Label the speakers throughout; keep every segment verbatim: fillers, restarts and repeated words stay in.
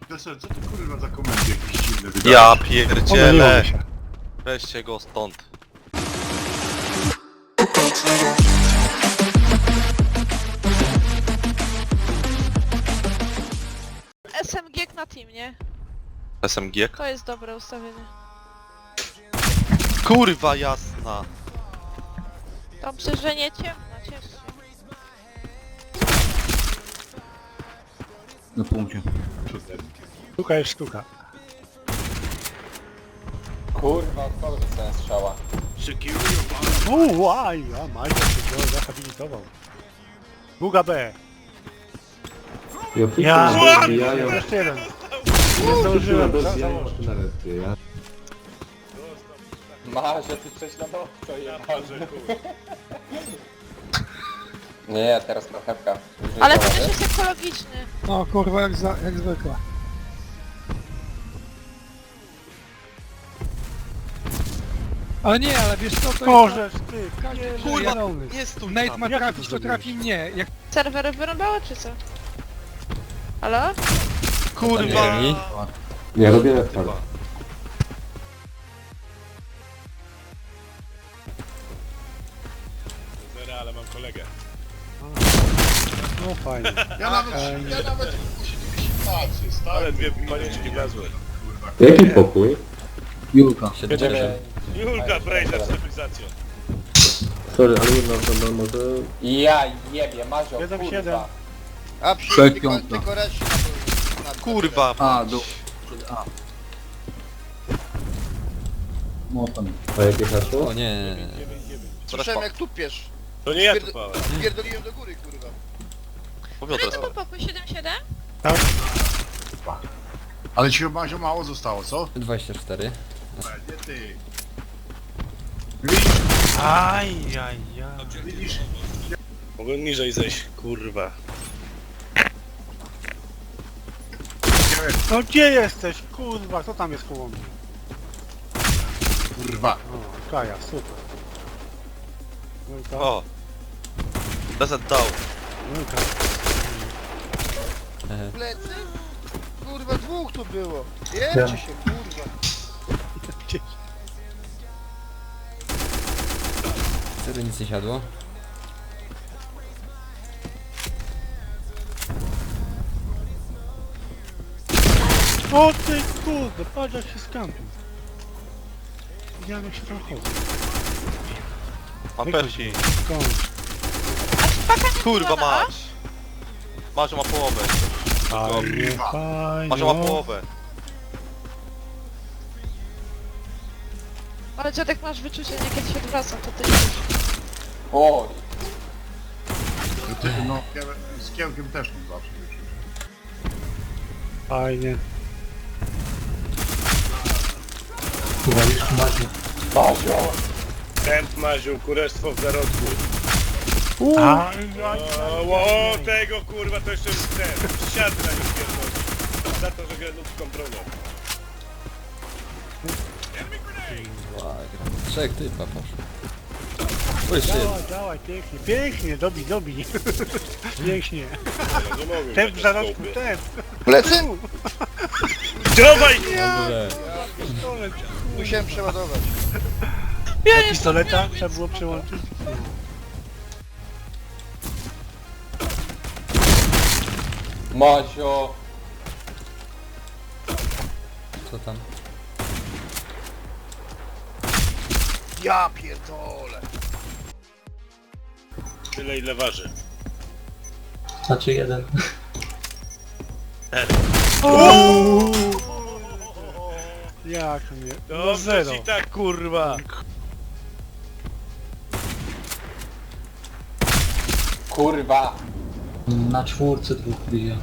Speaker 1: Deser, co ty kurwa za komendy jakieś dziwne wydajesz?
Speaker 2: Ja pierdzielę!
Speaker 3: się.
Speaker 2: Weźcie go stąd.
Speaker 4: S M G na team, nie?
Speaker 2: S M G?
Speaker 4: To jest dobre ustawienie.
Speaker 2: Kurwa jasna!
Speaker 4: Dobrze, że nie ciemno, ciesz się.
Speaker 5: Na punkcie.
Speaker 3: Sztuka jest sztuka.
Speaker 6: Kurwa, od kogo dostałem strzała?
Speaker 3: Uuu, łaj, a Majka się go zahabilitował. Długa B. Ja,
Speaker 7: Dobijają,
Speaker 3: jeszcze jeden. Nie zdążyłem, za,
Speaker 7: dobijają
Speaker 3: założyć.
Speaker 7: na respie, ja.
Speaker 6: Marzę, ty prześladowco jebany. Nie, teraz marchewka.
Speaker 4: Ale ten też jest ekologiczny.
Speaker 3: No kurwa, jak, za, jak zwykle.
Speaker 8: Ale nie, ale wiesz co, to
Speaker 3: Możesz, ty,
Speaker 8: jest...
Speaker 2: Kurwa,
Speaker 8: zielony.
Speaker 2: nie stój
Speaker 8: Nate
Speaker 2: tam.
Speaker 8: ma
Speaker 3: Jak
Speaker 8: trafić,
Speaker 3: to
Speaker 8: to
Speaker 3: zrobiłeś?
Speaker 8: trafi mnie. Jak
Speaker 4: Serwery wyrąbały czy co? Halo?
Speaker 2: Kurwa!
Speaker 7: Nie, robię respar.
Speaker 1: Ale mam kolegę.
Speaker 3: No fajnie.
Speaker 1: Ja nawet,
Speaker 3: Fajnie.
Speaker 1: ja nawet sytuację, stary. Ale dwie panieczki wlazły.
Speaker 7: Jaki pokój?
Speaker 5: Julka.
Speaker 6: Będziemy...
Speaker 1: Julka, Brejzer, stabilizacją.
Speaker 7: Sorry, ale jedna osoba może...
Speaker 6: Ja jebie, Mazio,
Speaker 3: Jeden,
Speaker 6: kurwa.
Speaker 3: siedem.
Speaker 9: A przy
Speaker 5: Trzech
Speaker 9: tylko,
Speaker 5: piątka.
Speaker 9: tylko reszcie na to.
Speaker 2: Kurwa!
Speaker 5: A, do... A. No tam.
Speaker 7: A jakie hasło?
Speaker 5: O nie.
Speaker 9: Słyszałem jak tu piesz.
Speaker 1: To nie ja
Speaker 9: Pierd-
Speaker 1: tu pałem.
Speaker 9: Pierdoliłem do góry, kurwa.
Speaker 2: Powiodre
Speaker 4: Który to był pokój? siedem siedem?
Speaker 1: Ale ci chyba się mało zostało, co?
Speaker 5: dwadzieścia cztery.
Speaker 1: Nie ty.
Speaker 3: Aj, aj, aj.
Speaker 1: Widzisz?
Speaker 10: Mogłem niżej zejść, kurwa.
Speaker 3: No gdzie jesteś? Kurwa, kto tam jest koło mnie?
Speaker 1: Kurwa.
Speaker 3: O, Kaja, super. Julka,
Speaker 2: O! Deset dał.
Speaker 3: Julka.
Speaker 9: Plecy? Kurwa, dwóch tu było. Jebcie się, kurwa.
Speaker 5: Wtedy nic nie siadło.
Speaker 3: O ty kurde, patrz jak się skampił. Widziałem jak się tam chodzi.
Speaker 2: Mam persi.
Speaker 3: Skąd?
Speaker 4: A ci paka nie
Speaker 2: Kurwa
Speaker 4: była na A?
Speaker 2: mać! Marzio ma połowę.
Speaker 3: Fajnie, fajnie.
Speaker 2: Marzio ma połowę.
Speaker 4: Ale dziadek masz wyczucie, nie kiedy się odwraca, to ty idziesz.
Speaker 6: Oj,
Speaker 1: Ty, no, z kiełkiem też mam zawsze.
Speaker 3: Fajnie.
Speaker 6: Mazio.
Speaker 10: Kęp Maziu, kurestwo w zarodku.
Speaker 3: Aj, aj,
Speaker 10: O, o tego kurwa to jeszcze ten. Siadł na nim pierdolę. Za to, że gra ludzką bronią.
Speaker 5: Trzech typa poszło. O, jeszcze jeden.
Speaker 3: Działaj, działaj, pięknie, pięknie, dobij, dobij. Pięknie.
Speaker 10: Ja nie mogłem
Speaker 3: Ten
Speaker 10: na
Speaker 3: w
Speaker 10: to
Speaker 3: zarodku,
Speaker 10: skopie.
Speaker 3: ten.
Speaker 9: Plecy?
Speaker 10: Dawaj!
Speaker 5: Dobrze.
Speaker 3: Pistolet.
Speaker 9: Musiałem przeładować.
Speaker 4: Ja
Speaker 3: Do pistoleta trzeba było przełączyć.
Speaker 6: Mazio.
Speaker 5: Co tam?
Speaker 9: Ja pierdolę.
Speaker 10: Tyle ile waży.
Speaker 3: Jak mnie? No
Speaker 10: Dobrze
Speaker 3: zero.
Speaker 10: ci tak kurwa.
Speaker 6: Kurwa.
Speaker 5: Na czwórce dwóch bije.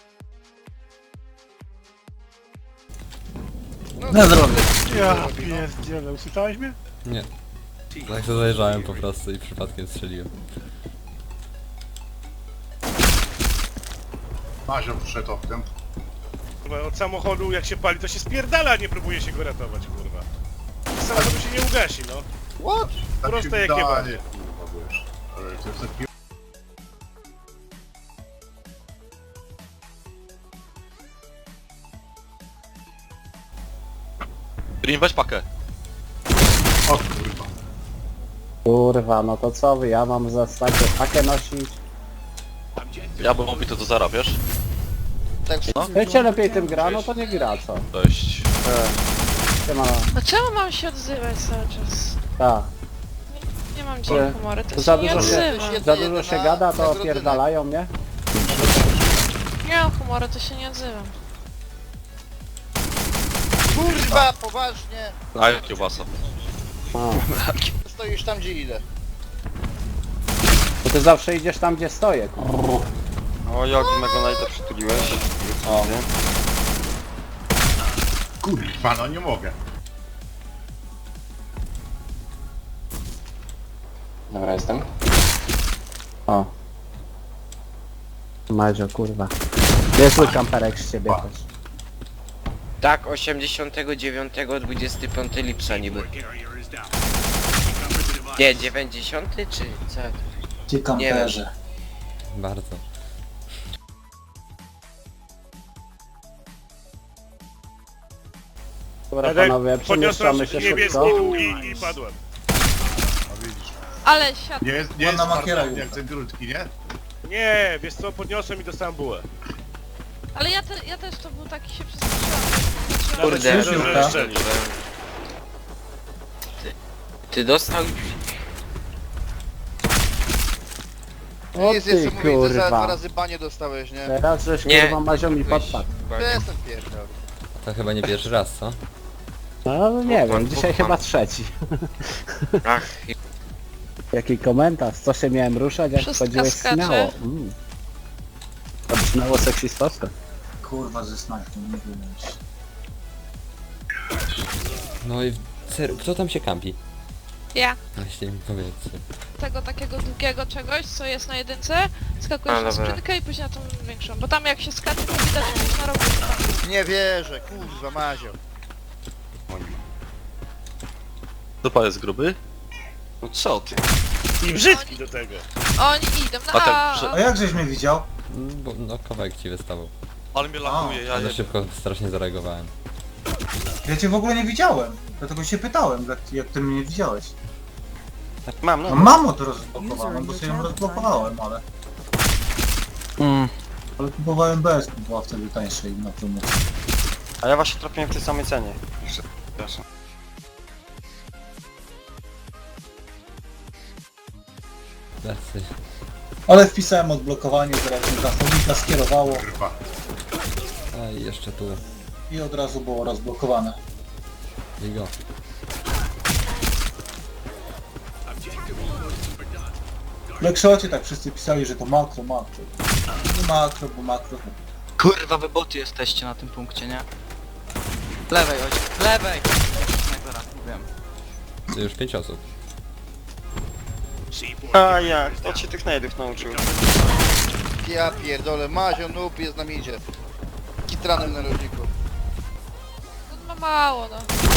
Speaker 9: No,
Speaker 5: Na zdrowie.
Speaker 3: Ja pierdzielę, usłyszałeś mnie?
Speaker 5: Nie. Tak się zajrzałem po prostu i przypadkiem strzeliłem.
Speaker 1: Mazio wszedł oknem.
Speaker 10: Kurwa, od samochodu jak się pali to się spierdala, a nie próbuje się go ratować, kurwa. Z samochodu się nie ugasi, no.
Speaker 9: What?
Speaker 1: Tak
Speaker 10: Proste
Speaker 1: się
Speaker 10: jak
Speaker 1: wydaje,
Speaker 10: jebanie.
Speaker 1: kurwa, wiesz. Ale to jest taki
Speaker 2: Green, weź pakę.
Speaker 1: O kurwa.
Speaker 3: Kurwa, no to co wy, ja mam zastać pakę nosić?
Speaker 2: Ja bym mógł to do zara, wiesz?
Speaker 9: Tak,
Speaker 2: No.
Speaker 3: Jak się lepiej tym gra, no to nie gra, co?
Speaker 2: Cześć.
Speaker 3: Siema,
Speaker 4: No czemu mam się odzywać cały czas?
Speaker 3: tak.
Speaker 4: Nie mam
Speaker 3: Że-
Speaker 4: dzisiaj humoru, to
Speaker 3: za
Speaker 4: się nie
Speaker 3: dużo się-
Speaker 4: odzywam.
Speaker 3: Za dużo się gada, to opierdalają mnie?
Speaker 4: Nie mam humoru, to się nie odzywam.
Speaker 9: Kurwa, poważnie!
Speaker 2: A jak kiełbasa.
Speaker 3: A.
Speaker 9: Stoisz tam, gdzie idę.
Speaker 3: Bo ty zawsze idziesz tam, gdzie stoję, kurwa.
Speaker 11: O, Jogi Megonite przytuliłeś. O.
Speaker 1: Kurwa, no nie mogę.
Speaker 6: Dobra, jestem.
Speaker 3: O. Madzio, kurwa. Niezły kamperek z ciebie też.
Speaker 11: Tak, osiemdziesiątego dziewiątego dwudziestego piątego lipca niby. Nie, dziewięćdziesiąty czy co? Nie wiem.
Speaker 5: Bardzo.
Speaker 3: Dobra,
Speaker 10: Edek,
Speaker 3: panowie,
Speaker 10: podniosłem
Speaker 3: przemieszczamy się
Speaker 10: niebieski
Speaker 3: szybko.
Speaker 10: długi i padłem.
Speaker 1: No widzisz.
Speaker 4: Ale siad...
Speaker 1: Nie jest, nie jest Spartan, jak ten krótki, nie?
Speaker 10: Nie, wiesz co, podniosłem i dostałem bułę.
Speaker 4: Ale ja, te, ja też to był taki się przestraszyłam.
Speaker 11: Kurde,
Speaker 10: Nawet szczerze, że jeszcze nie.
Speaker 11: Ty, ty dostał...
Speaker 3: O
Speaker 9: Jest,
Speaker 3: ty,
Speaker 9: jest, mówię, że za dwa
Speaker 3: kurwa.
Speaker 9: razy banie dostałeś, nie?
Speaker 3: Teraz żeś
Speaker 11: Nie.
Speaker 3: kurwa Mazio mi podpadł.
Speaker 9: To jestem pierdol.
Speaker 5: To chyba nie pierwszy raz, co?
Speaker 3: No nie
Speaker 11: Bóg pan,
Speaker 3: wiem, dzisiaj
Speaker 11: Bóg
Speaker 3: chyba
Speaker 11: pan.
Speaker 3: trzeci.
Speaker 11: Ach,
Speaker 3: Jaki komentarz, co się miałem ruszać, jak
Speaker 4: Wszystko
Speaker 3: chodziłeś
Speaker 4: skacze.
Speaker 3: śmiało. Mm. To brzmiało seksistowsko.
Speaker 9: Kurwa, ze snajpą, nie wiem.
Speaker 5: No i serio, kto tam się kampi?
Speaker 4: Ja.
Speaker 5: Właśnie mi powiedzcie.
Speaker 4: Tego takiego długiego czegoś, co jest na jedynce, skakujesz
Speaker 11: A,
Speaker 4: na
Speaker 11: dobra.
Speaker 4: sprintkę i później na tą większą. Bo tam jak się skacze, to widać, że gdzieś na rogu.
Speaker 9: Nie wierzę, kurwa, Mazio.
Speaker 2: Dupa jest gruby?
Speaker 11: no co ty?
Speaker 10: I brzydki do tego.
Speaker 4: Oni idą na
Speaker 2: A tak,
Speaker 4: A.
Speaker 2: że-
Speaker 9: A jak żeś mnie widział?
Speaker 5: Mm, Bo no kawałek ci wystawał.
Speaker 2: Ale mnie lakuje, ja
Speaker 5: Ale
Speaker 2: nie
Speaker 5: szybko strasznie zareagowałem.
Speaker 9: Ja cię w ogóle nie widziałem. Dlatego się pytałem, jak, jak ty mnie nie widziałeś.
Speaker 11: Mam, no.
Speaker 9: No mam od rozblokowaną, bo sobie ją rozblokowałem, ale...
Speaker 11: Mm.
Speaker 9: Ale kupowałem bez, bo była wtedy tańszej na promocji.
Speaker 11: A ja właśnie trafiłem w tej samej cenie. Przepraszam.
Speaker 5: Tacy.
Speaker 9: Ale wpisałem odblokowanie, zaraz mi transformika skierowało
Speaker 1: Kurwa.
Speaker 5: A i jeszcze tu.
Speaker 9: i od razu było rozblokowane.
Speaker 5: I go.
Speaker 9: W Blackshocie tak wszyscy pisali, że to makro, makro. Nie makro, bo makro to...
Speaker 11: Kurwa, wy boty jesteście na tym punkcie, nie? Lewej, ojciec, lewej! Snajpera, mówiłem.
Speaker 5: To już pięć osób.
Speaker 11: A jak? Kto cię tych najdów nauczył?
Speaker 9: Ja pierdolę, Mazio noob jest na midzie. Kitranem na rodziku.
Speaker 4: No ma mało, no.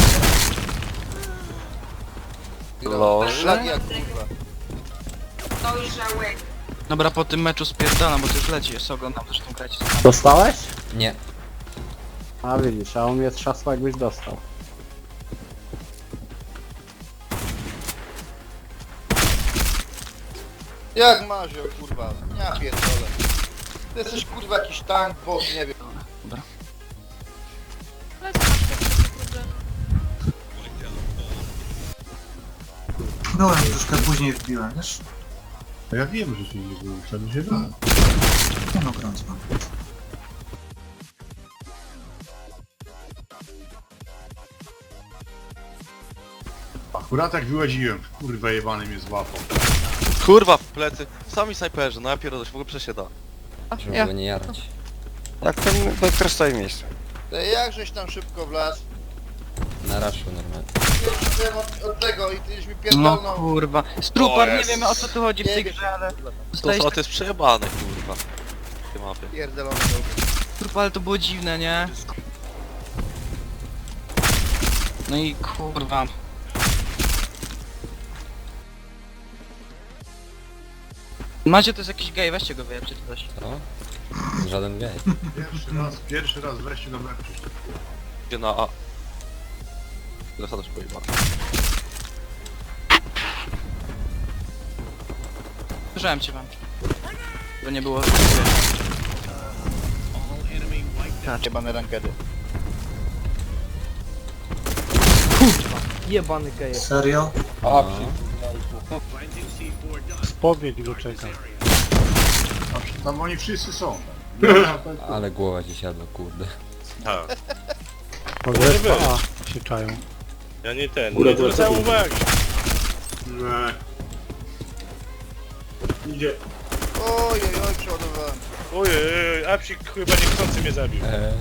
Speaker 11: Loże?
Speaker 9: Szlak jak kurwa.
Speaker 11: Dobra, po tym meczu spierdalam, bo to już leci, jeszcze oglądam zresztą grać.
Speaker 3: Dostałeś?
Speaker 5: Nie.
Speaker 3: A widzisz, a on mnie trzasł, jakbyś dostał.
Speaker 9: Jak Mazio kurwa, ja pierdolę. Ty jesteś kurwa jakiś tank, bot, nie wiem.
Speaker 4: Ale co masz takie problemy?
Speaker 9: Byłem troszkę później wbiłem, wiesz?
Speaker 1: No ja wiem, że się nie było, wtedy się da.
Speaker 9: Nie no, grąc mam.
Speaker 1: Akurat jak wyłaziłem, kurwa jebany mnie złapał.
Speaker 2: Kurwa, w plecy. Sami snajperzy, no ja pierdolę, się w ogóle przesiada.
Speaker 5: Żeby
Speaker 4: Ja.
Speaker 5: go nie jarać.
Speaker 11: Jak ten doktor stoi w miejscu?
Speaker 9: Ty jak żeś tam szybko wlazł?
Speaker 5: Na raszu normalnie.
Speaker 9: Jestem od, od tego i tyś mi
Speaker 11: No
Speaker 9: pierdolnął.
Speaker 11: kurwa. Strupa,
Speaker 2: O,
Speaker 11: nie
Speaker 2: jest.
Speaker 11: wiemy o co tu chodzi w tej
Speaker 9: Nie wiem.
Speaker 11: grze, ale...
Speaker 2: To,
Speaker 11: Dostałeś
Speaker 2: to jest przejebane, kurwa. Te mapy.
Speaker 9: Pierdolony noob.
Speaker 11: strupa, ale to było dziwne, nie? No i kurwa. Macie to jest jakiś gej, weźcie go wyjeb czy coś.
Speaker 5: Co? Żaden gej.
Speaker 1: Pierwszy raz, pierwszy raz wreszcie do meczu.
Speaker 2: Gdzie na A. Zasada szkoły.
Speaker 11: Słyszałem cię wam. Bo nie było...
Speaker 9: Jebane rankedy.
Speaker 8: Jebany geje.
Speaker 6: Serio? A,
Speaker 3: Spowiedź go czeka.
Speaker 1: Tam oni wszyscy są.
Speaker 5: Ale głowa ci siadła, kurde.
Speaker 10: Tak.
Speaker 3: Może
Speaker 10: Może
Speaker 3: respa
Speaker 10: być.
Speaker 3: A się czają.
Speaker 10: Ja nie ten,
Speaker 7: Góra
Speaker 10: nie
Speaker 7: była
Speaker 10: zwracałem
Speaker 7: taka.
Speaker 10: uwagi.
Speaker 1: Nie. Idzie.
Speaker 9: Ojej, oj, przeładowałem.
Speaker 10: Ojej, Apsik chyba niechcący mnie zabił.
Speaker 5: Eee,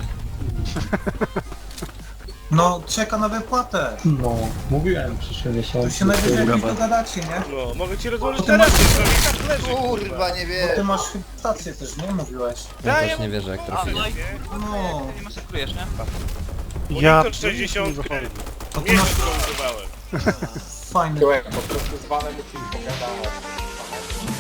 Speaker 6: No, czeka na wypłatę.
Speaker 3: No, mówiłem przyszły miesiąc.
Speaker 6: To się najwyżej jakoś dogadacie, nie?
Speaker 10: No, mogę ci rozłożyć
Speaker 6: Bo ty
Speaker 10: teraz,
Speaker 6: masz-
Speaker 10: to mi tak leży,
Speaker 9: Kurwa, nie
Speaker 6: Bo
Speaker 9: wiem.
Speaker 6: ty masz chyba stację też, nie? Mówiłeś.
Speaker 5: ja
Speaker 10: Daję
Speaker 5: też nie
Speaker 10: mu-
Speaker 5: wierzę jak
Speaker 11: A,
Speaker 5: trafiłem.
Speaker 11: no i
Speaker 6: No,
Speaker 11: nie masakrujesz, nie?
Speaker 3: Ja
Speaker 10: Monitor sześćdziesiąt,
Speaker 6: to ty masz
Speaker 10: miesiąc to używałem.
Speaker 6: fajny. Po prostu z vanem musisz pogadać.